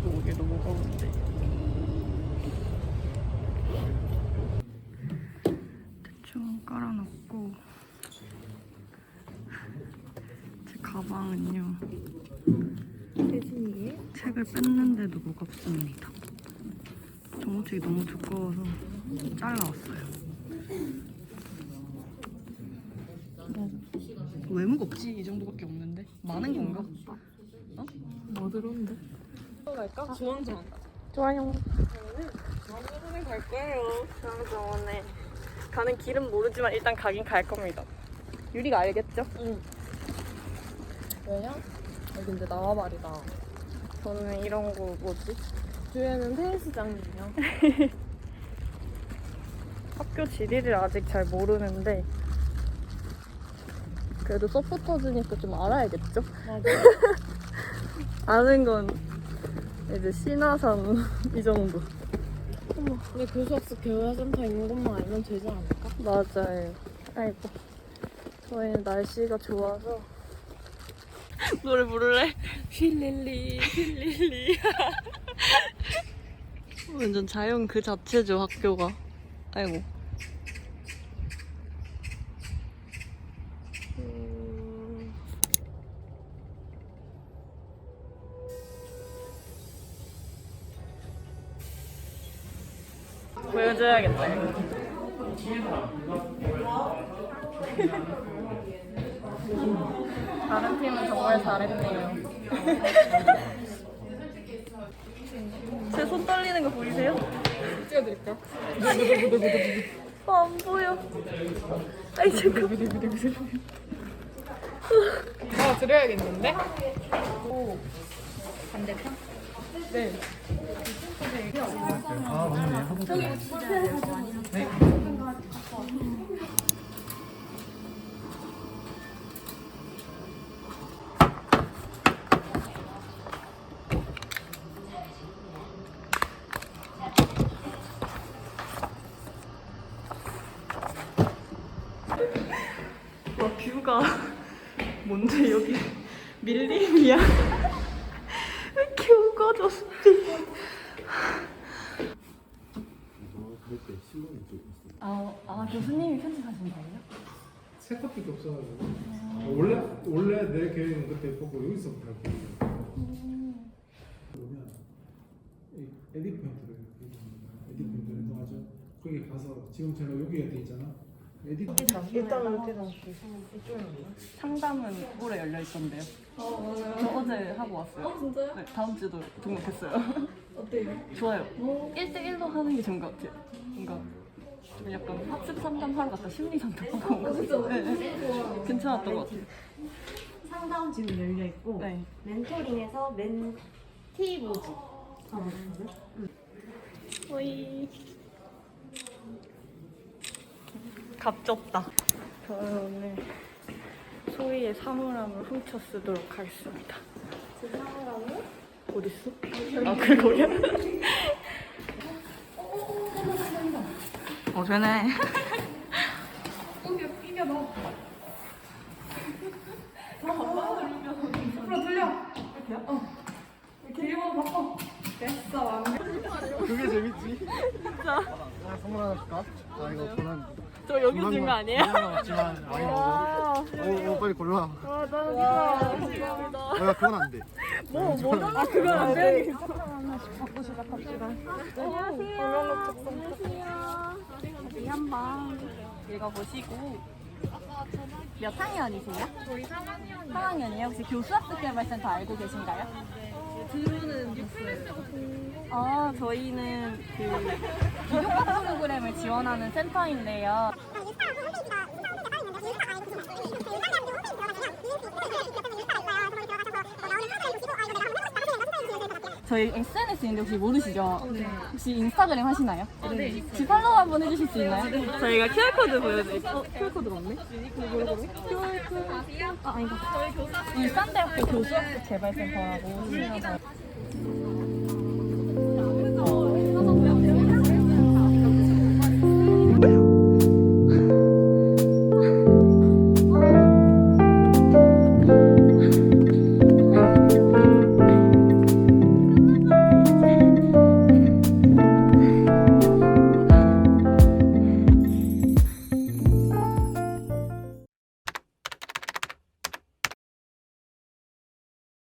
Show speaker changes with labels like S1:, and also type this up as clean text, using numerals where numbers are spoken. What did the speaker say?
S1: 오기도 무거운데. 대충 깔아놓고 제 가방은요. 책을 뺐는데도 무겁습니다. 정보책이 너무 두꺼워서 잘라왔어요. 왜 무겁지? 이 정도밖에 없는데? 많은 건가? 어?
S2: 뭐 들었는데? 갈까? 주원정.
S1: 좋아요.
S2: 주원정에 갈 거예요.
S1: 중앙정원에 가는 길은 모르지만 일단 가긴 갈 겁니다. 유리가 알겠죠?
S2: 응. 왜냐? 근데 나와 말이다.
S1: 저는 이런 거 뭐지?
S2: 뒤에는 테니스장이에요.
S1: 학교 지리를 아직 잘 모르는데 그래도 서포터즈니까 좀 알아야겠죠?
S2: 맞아.
S1: 아는 건 이제 신화산 이 정도.
S2: 어머, 근데 교수학습 교회센터 있는 것만 알면 되지 않을까?
S1: 맞아요. 아이고. 저희는 날씨가 좋아서 노래 부를래? 힐릴리 힐릴리. 완전 자연 그 자체죠 학교가. 아이고. 보여줘야겠다. 다른 팀은 정말 잘했네요. 제 손 떨리는 거 보이세요?
S2: 찍어드릴까?
S1: 안 보여. 아이 잠깐.
S2: 드려야겠는데?
S1: 오. 반대편?
S2: 네.
S3: 아, 맞네. 네.
S1: 와 뷰가 뭔데 여기 밀림이야? 왜 이렇게 우거졌지? 교수님이 편집하신 거예요?
S3: 새 커피도 없어가지고. 원래 내 계획은 그때 보고 여기서부터 할게요. 보면 에디트 포인트를 에디트 포인트를 해가지고 거기 가서 지금 제가 여기에 돼 있잖아. 에디트
S1: 일단 여기다 상담은 올해 열려 있던데요. 저 어제 하고 왔어요.
S2: 진짜요?
S1: 네, 다음 주도 등록했어요.
S2: 어때요?
S1: 좋아요. 1대1로 하는 게 좋은 것 같아요. 뭔가 좀 약간 학습 상담 하러 갔다 심리 상담하고 온 것 같아요. 네. 괜찮았던 것 같아요.
S4: 상담 지금 열려 있고
S1: 네.
S4: 멘토링에서 멘티보지 하고 있거든.
S1: 오이. 갑졌다. 저는 오늘 소희의 사물함을 훔쳐 쓰도록 하겠습니다.
S4: 제 사물함은
S1: 어딨어? 아, 그거야? 되네.
S2: 이겨 너. 앞으로 돌려. 이렇게 1번 바꿔. 됐어, 완벽.
S3: 그게 재밌지?
S1: 진짜.
S3: 선물 하나 줄까? 아 이거 저는
S1: 저 여기 준 거 아니에요?
S3: 남았지만 많이 먹어. 오 빨리 골라.
S1: 와, 나 감사합니다.
S3: 야 그건 안 돼.
S1: 뭐잖아? 아, 그건 안 돼.
S4: 받고 시작합시다.
S1: 안녕하세요. 어디 한번 읽어보시고. 몇 학년이세요?
S2: 저희 3학년
S1: 3학년이에요? 혹시 교수학습개발센터 알고 계신가요?
S2: 들어는 유플레스고
S1: 저희는 그 기독학 프로그램을 지원하는 센터인데요. 저희 SNS 있는데 혹시 모르시죠?
S2: 네.
S1: 혹시 인스타그램 하시나요?
S2: 네.
S1: 혹시 팔로우 한번 해주실 수 있나요? 저희가 QR코드 보여드릴게요. QR코드가 없네? QR코드? 아니다. 인스탄대학교 교수학습 개발센터라고.